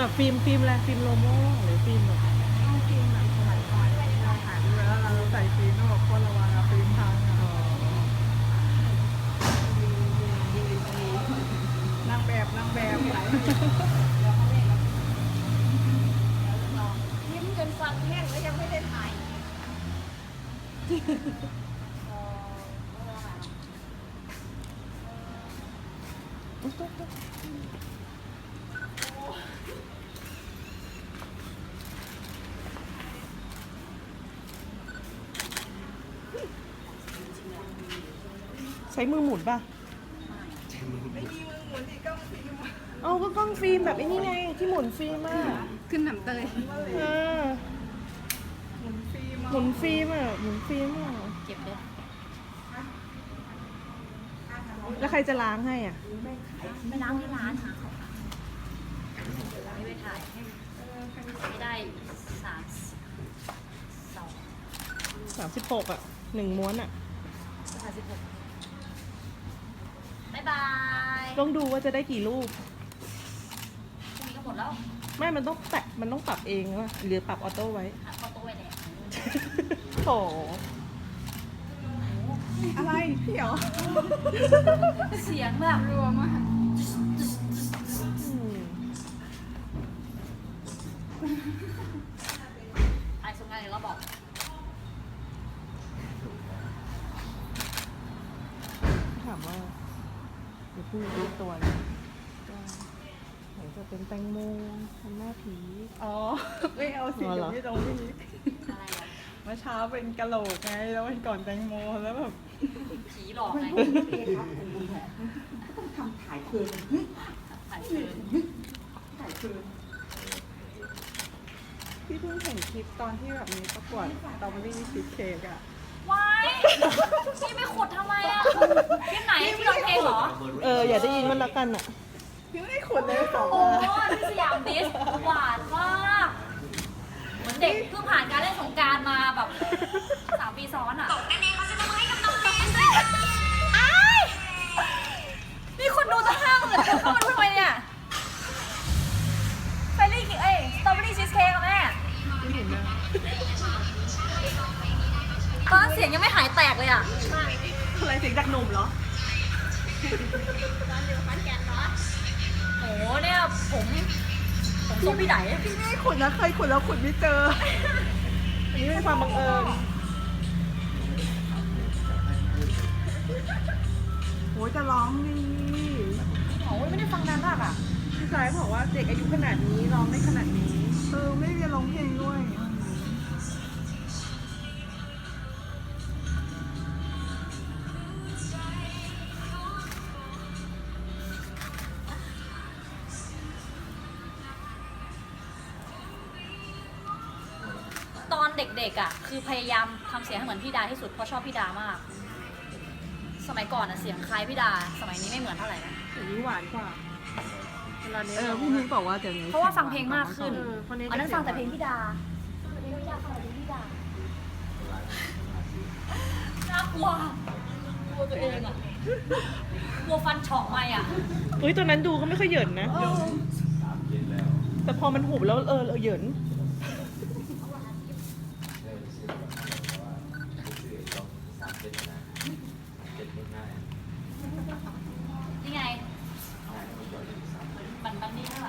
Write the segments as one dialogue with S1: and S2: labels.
S1: แบบฟิล์มอะไรฟิล์มโลโม่หรือฟิล์มแบบ
S2: ต้องฟิล์มแบบสมัยก่อนเราถ่ายรูปแล้วเราใส่ฟิล์มต้องบอกคนระวังอะฟิล์มพังอะนางแบบ
S3: ยิ้มจนฟันแห้งแล้วยังไม่ได้ถ่าย
S1: ใช้มือหมุนป่ะ
S2: ไม่มีมือหมุนอีกกล้องฟิล์ม
S1: เอาก็กล้องฟิล์มแบบไอ้นี่ไงที่หมุนฟิล์มอ่ะ
S2: ขึ้นหนำเตย
S1: เออ
S2: หมุนฟิล์ม
S1: หมุนฟิล์มอ่ะหมุนฟิล์มอ่ะ
S3: เก็บเลย
S1: แล้วใครจะล้างให้อ่ะ
S3: ไม่ล้างที่ร้านหาเขาไม่ไปถ่ายไม่ได้
S1: 36อ่ะ1ม้วนอ่ะ
S3: 36บ๊ายบาย
S1: ต้องดูว่าจะได้กี่รูป
S3: พรุ่งนี้ก็หมดแล้ว
S1: ไม่มันต้องปรับเองว่ะหรือปรับออโต้ไว้
S3: หาข้าวต้มไว้แดก
S1: โถ
S2: อะไรพี่เหรอ
S3: เสียงแบบ
S2: รัวมาก
S1: อืม
S3: ไอ้สงงานเดี๋ยวเราบอก
S1: ถามว่าเดี๋ยวพูดเรื่องตัวเลยว่าไหนจะเป็นแตงโมทำหน้าผี
S2: อ๋อไม่เอาสิ
S1: อ๋อเหรอ
S2: เดี๋ยวไม่ตรงนี้
S3: อะไรอ่ะ
S2: เมื่อเช้าเป็นกะโหลกไงแล้ววันก่อนแตงโมแล้วแบบ
S3: ผีหลอกไง
S4: ทำถ่ายคืน
S3: ถ่ายคืน
S4: ถ่ายคืน
S2: พี่เพิ่งเห็นคลิปตอนที่แบบมีประกวดสตรอเบอรี่ชีสเค้กอะ
S3: ว้ายพี่ไปขุดทำไมอ่ะคลิปไหนที่ร้องเพลงเหรอ
S1: อย่าได้ยินมันละกันอ่ะ
S2: พี่ไม่ได้ขุดเลยสอง
S3: โอ้
S2: มา
S3: ที่สยามดิสหวานมากเหมือนเด็กเพิ่งผ่านการเล่นสงกรารมาแบบ3 ปีซ้อนอ่ะนั่นเองเขาจะมาให้กับน้องเบนด้วยอ้ายมีคนดูตั้ง5 0,000 คนเข้ามาดูทำไมเนี่ยเฟรนลี่สตรอเบอรี่ชีสเค้กอะแม่ตอนนั้นเสียงยังไม่หายแตกเลยอ่ะ
S1: อะไรเสียงจากหนุ่มเหรอ
S3: โอ้เนี่ยผมทรงพี่ไหน
S2: พี่ไม่ได้ขุดนะเคยขุดแล้วขุดไม่เจอ
S1: อันนี้เป็นความบังเอิญ
S2: โหจะร้องดี
S3: โอ้ยไม่ได้ฟังนานมากอ่ะ
S1: พี่ชายบอกว่าเด็กอายุขนาดนี้ร้องได้ขนาดนี้
S2: ไม่ได้ร้องเพลงด้วย
S3: ตอนเด็กๆอ่ะคือพยายามทำเสียงให้เหมือนพี่ดาที่สุดเพราะชอบพี่ดามาก สมัยก่อนอ่ะเสียงคล้ายพี่ดา สมัยนี้ไม่เหมือนเท่าไหร่นะ
S1: อย่างนี้หวานกว่าเวลาเนี้ย
S2: พี่นุ้ยบอกว่าเดี๋ยวนี้
S3: เพราะว่าฟังเพลงมากขึ้น
S1: คนนี้
S3: อันนั้นฟังแต่เพลงพี่ดาเพลงพี่ดาฟังแต่เพลงพี่ดาน่ากลัวกลัวตัวเองอ่ะกลัวฟันเฉาะไปอ่ะ
S1: เฮ้ยตอนนั้นดูก็ไม่ค่อยเหยินนะ แต่พอมันหุบแล้วเหยิน
S3: นี่ไงบันนี่ค่ะ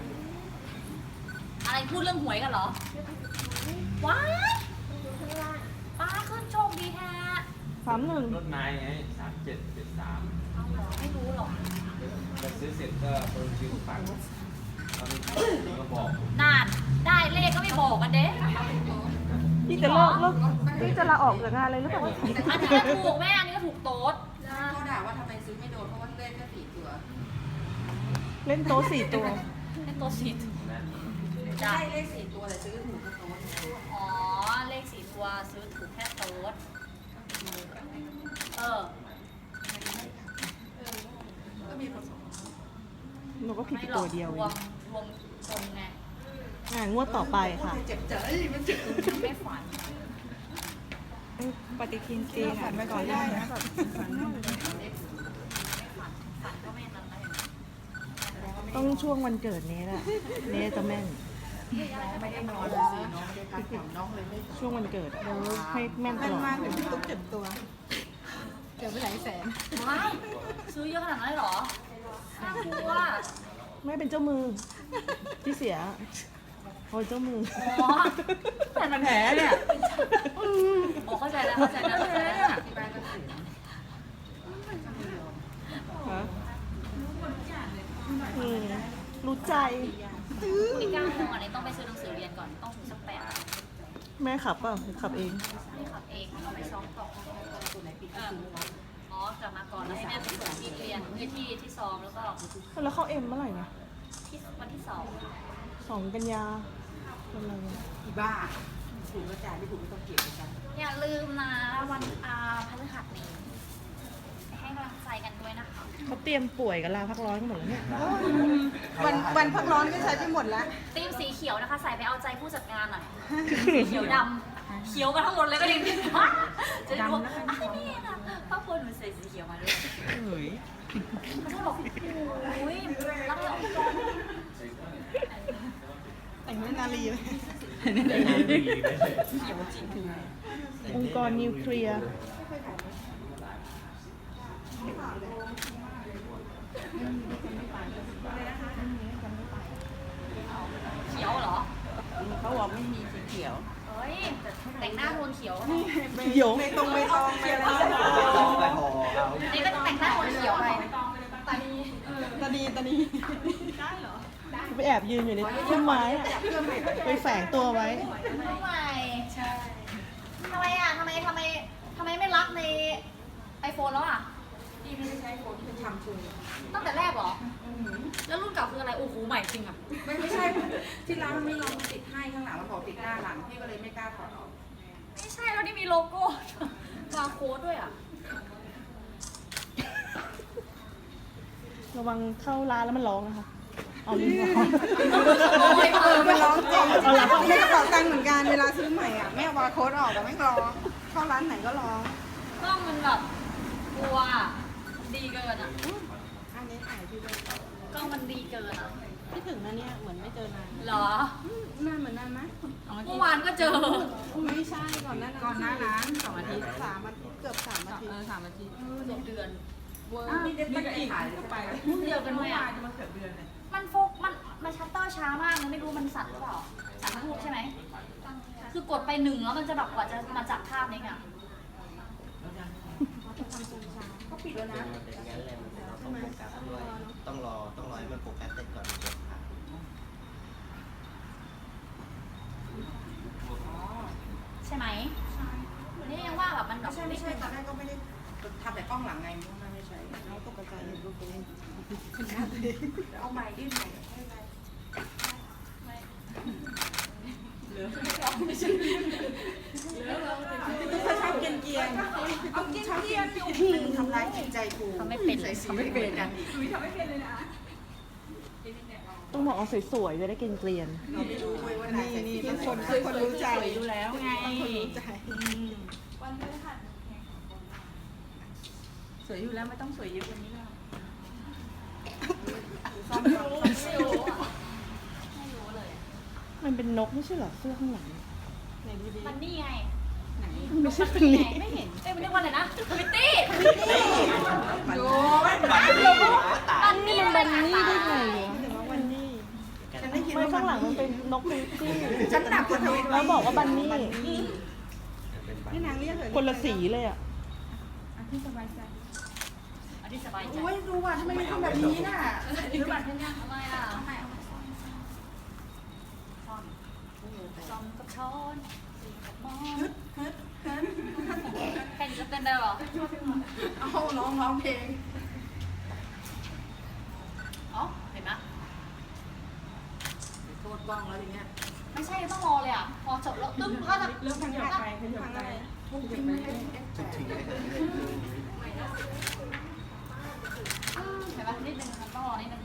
S3: อะไรพูดเรื่องหวยกันเหรอ ว้ายป้าขึ้นโชคดีแท้
S1: 31
S5: รถไม้ไง3773
S3: เอาเหรอไม่รู้หรอก
S5: จะซื้อเสร็จก็เปิดชื่อฝังตอนนี้ก็บอก
S3: นานได้เลขก็ไม่บอกกันเด้
S1: พี่จะพี่จะลาออกจากงานอะไรหรือเปล่า
S3: อันนี้ก็ถูกแม่อันนี้ก็ถูกโต๊ด
S4: เขาด่าว่าทำไมซื้อไม่โดนเพราะว่าเล่นแค่4 ตัว
S1: เล่นโต๊ะ4 ตัว
S3: เป็นโต๊ดสีถูก
S5: นั่น
S3: จ้ะ
S4: ได้เลข4 ตัวแต่ซื้อถูกก็โต๊ะ
S3: อ๋อเลข4 ตัวซื้อถูกแค่โต๊ดเออ
S4: ก็มีผสม
S1: หนูก็ผิด
S3: ไม่
S1: ไป
S3: หร
S1: ตั
S3: อ
S1: ว
S3: ก
S1: เดียว
S3: รวมตรงไง
S1: งวดต่อไปค่ะ
S4: เจ็บใจมันเจ็บ
S3: ไม่ฝัน
S2: ปฏิทินจีนฝันไปก่อนได้นะแบบฝัน
S3: ฝันก็ไม่นั้นเลย
S1: ต้องช่วงวันเกิดเนสอะเนสจะแม่น
S4: ไม่ได้นอนเลยสิน้องไม่ได้พักผ่อนน้องเลยไม่
S1: ช่วงวันเกิดอะให้แม่นต
S2: มัน
S1: ลอด
S2: มากถึงพี่ตุ๊กเจ็บตัวเจ็บไปหลายแสน
S3: ไม่ซื้อเยอะขนาดนั้นเลยเหรอน่ากลัว
S1: ไม่เป็นเจ้ามือที่เสียโอ้ยเจ้ามือ
S3: อ๋อ
S2: แต่มันแผลเนี่ย
S3: โอ้เข้าใจแล้วเข้าใจแล้วเข้าใจแล้ว
S4: ที่บ้านก็เสีย
S1: ฮะรู้ใจ
S3: อีก9 โมงอันนี้ต้องไปซื้อหนังสือเรียนก่อนต้องถึงสัก8
S1: แม่ขับเปล่ะหรือขับเอง
S3: ไม่ขับเองต้องไปซ้อมต่ออ๋อกลับมาก่อนแล้วแม่ไปส่งที่เรียนที่ซ้อมแล้วก็
S1: แล้วเข้าเอ็มเมื่อไหร่นะ
S3: ที่วันที่
S1: 2 กันยาเป็นอะไรวะ
S4: อีบ้าถูกกระจายไม่ถูกไม่ต้องเก็บกัน
S3: 2อย่าลืมนะวันพฤหัสนี้ไปให้กำลังใจกันด้วยนะคะ
S1: เขาเตรียมป่วยกับลาพักร้อนกันหมดแล้วเนี่ย
S2: วันพักร้อนก็ใช้ไปหมดแล้ว
S3: ทีมสีเขียวนะคะใส่ไปเอาใจผู้จัดงานหน่อยสีเขียวดำเขียวกันทั้งหมดเลยก็ดีจะได้รู้ว่านี่นะครอบครัวหนูใส่สีเขียวมาด้วย
S2: เฮ้ย
S3: เขาจะบอกโอ้ยรักเราองค์กร
S2: แต่งเรื่องนาลีเลย
S1: องค์กรนิวเคลียร์
S3: เขียวเหรอ
S4: เขาบอกไม่มีสีเขียว
S3: เฮ้ยแต่งหน้าโทนเขียว
S1: เดี๋ยว
S2: ไม่ตรงไปตองไปแล้ว
S3: นี่ก็แต่งหน้าโทนเขียวไป
S2: ตานี
S1: ไปแอบยืนอยู่ในต้นไม้อะไปแฝงตัวไว้
S3: ทำไมใช่ทำไมอ่ะทำไมไม่รักในไอโฟนแล้วอ่ะ
S4: ที่ไม่ได้ใช้โฟนที่เป็นชัมพู
S3: ตั้งแต่แรกเหรอ แล้วรุ่นเก่าคืออะไร โอ้โห ใหม่จริงอ่ะ
S4: ไม่ใช่ที่ร้านมันไม่ยอมติดให้ข้างหลังมันบอกติดหน้าหลังพี่ก็เลยไม่กล้าถอดออก
S3: ไม่ใช่แล้วนี่มีโลโก้บาร์โค้ดด้วยอ่ะ
S1: ระวังเข้าร้านแล้วมันร้องนะคะ เอาลิ้นร้อง
S2: มันร้องจริง
S1: เอาเหรอ
S2: ในกระเป๋าตังค์เหมือนกันเวลาซื้อใหม่อ่ะแม่เอาบาร์โค้ดออกแต่ไม่ร้องเข้าร้านไหนก็ร้อง
S3: กล้องมันแบบกลัวดีเกินอ่ะ
S2: อันนี้ถ่ายพี่ด้วย
S3: กล้องมันดีเกินอ่ะ
S2: พี่ถึงนะเนี่ยเหมือนไม่เจอนาน
S3: เหรอ
S2: นานเหมือนนานไหม
S3: เมื่อวานก็เจอ
S2: ไม่ใช่ก่อนหน้านั้น2 อาทิตย์3 อาทิตย์เกือบ3 อาทิตย์3 อาทิตย์
S3: เดือน
S2: เวอร์
S4: นี่เด็กตั้งใจถ่ายเลยไป
S3: เดียวกันไหมอ่ะมันโฟกมันชัตเตอร์ช้ามากมันไม่รู้มันสั่นหรือเปล่าสั่นทั้งรูปใช่ไหม คือกดไป1แล้วมันจะแบบกว่าจะมาจับภาพนี้อ่ะ
S4: เขาปิดแล้วนะ
S5: ต้องรอให้มันโฟกัสเสร็จก่อน
S3: ใช่ไหมนี่ยังว่าแบบมันแบบ
S4: ไม่ใช่ตอนแรกก็ไม่ได้ทำแต่กล้องหลังไงไม่ใช่
S2: น้องตกใจเห็นรูปตัวเอง
S4: เอาใหม่ยื่นใหม่ให้ไป
S2: พี่ตุ๊กเขาชอบเกรียน
S4: เอาเกี้ยนทำร้ายจิตใจกู
S3: ทำไม่เป็น
S4: ใส่สีไม่เป็นกัน
S1: ต้องบอกเอาสวยๆจะได้เกลียน
S4: เราไม่รู้เว้ยว่าไหน
S2: ๆ
S4: ใส่สี
S2: นี่
S4: เป็น
S2: คนรู้ใจ
S4: อยู่แล้วไง
S2: คนรู้ใจ
S4: สวยอยู่แล้วไม่ต้องสวยเยอะกว่านี้แล้ว
S3: ไม่รู้อ่ะไม่รู้เลย
S1: ๆมันเป็นนกไม่ใช่เหรอเสื้อข้างหลัง
S2: ไหนดี
S3: มันนี่ไง
S1: ไม่ใช่เป็นลิง
S3: ไม่เห็นเอ้ยมันเรียกว่าอะไรนะทวิตตี้
S4: โอ้ย
S3: บันนี่
S1: มันบันนี่ได้ไงวะ
S2: ๆถึงว่าวันนี้
S4: ฉันได้ยิน
S1: ไม่
S4: ว่า
S1: ข้างหลังมันเป็นนกเป็นจี้
S4: ฉันหนักกว่าทวิต
S1: แล้วบอกว่าบันนี่
S2: ให้นางเรียกเถอะ
S1: คนละสีเลยอ่ะ
S3: อันที่สบายใจ
S4: โอ้ยดูว่าทำไมมันทำแบบนี้น่ะ
S3: ดูบัตรเป็นยังทำไมล่ะซอมกับช้อนมองแข่งจะเต้นได้หรอ
S4: เอาร้องเพลง
S3: อ๋อเห็นไหม
S4: โทษบ้องแล้วทีเนี้ย
S3: ไม่ใช่ต้องรอเลยอ่ะ พอจบแล้วตึ้งพอจะ
S2: เริ่มทางไหนไปทางอะไร
S4: ทุกทีไม่ได้F8
S3: เห็นไหมนิดนึงมันต้องรอนิดนึง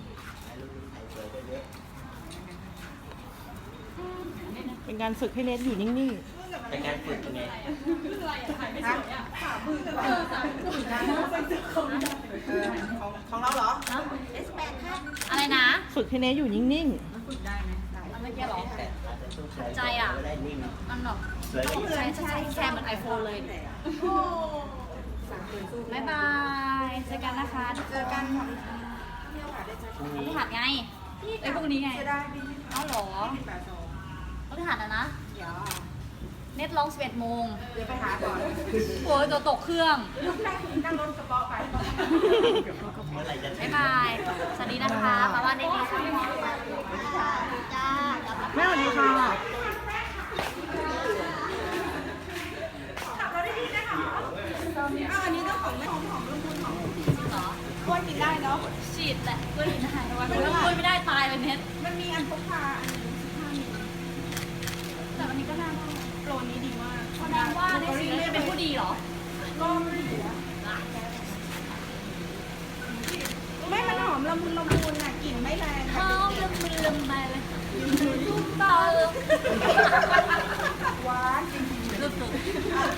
S1: เป็นการฝึกให้เนทอยู่นิ่ง
S5: เป็นการฝึกไง
S4: ของเราเหรอ
S3: อะไรนะ
S1: ๆ ฝึกฝึกให้เนยอยู่นิ่ง
S2: มันฝึกได้ไหมได้
S3: อันเมื่อกี้เหรอใจอ่ะมันแบบใช้แค่เหมือน iPhone เลยบ๊ายบายเจอกันนะคะ
S4: เจอกันค่ะ
S3: พฤหัสไงไอ้พวกนี้ไง
S4: จะได้ดี
S3: เอ้าเหรอ
S4: 82
S3: พฤหัสนะ
S4: เดี๋ยว
S3: เน็ตร้อง11โมง
S4: เดี๋ยวไปหาก่อน
S3: โอ้ยตัวตกเครื่อง
S4: นั่งรถกระเป๋าไป
S3: บ๊ายบาย สวัสดีนะคะมาบ้านได้ดีค่ะจ้า
S1: ๆ แม่สวัสดีค่ะ
S4: อันนี้ต้องของแม่หอมรุ่นคุณหอม
S3: เหรอก
S4: ล้วยกินได้เนาะ
S3: ฉีดแหละกล้วยกินได้แต่ว่าถ้ากล้วยไม่ได้ตายเลยเน็ต
S4: มันมีอันพกพาอันนึง15มิล
S3: แต่วันนี้ก็น่าได้
S4: โปรนี้ดีมาก
S3: แสดงว่าได้ซื้อจะเป็นผู้ดีเหรอ
S4: ก็ไม่ดีอะไม่มันหอมละมุนละมุนอ่ะกลิ่นไม่แรง
S3: หอมละมุนละไมเลยตุ้มเบา
S4: หวานจริง
S3: สุด
S4: ๆ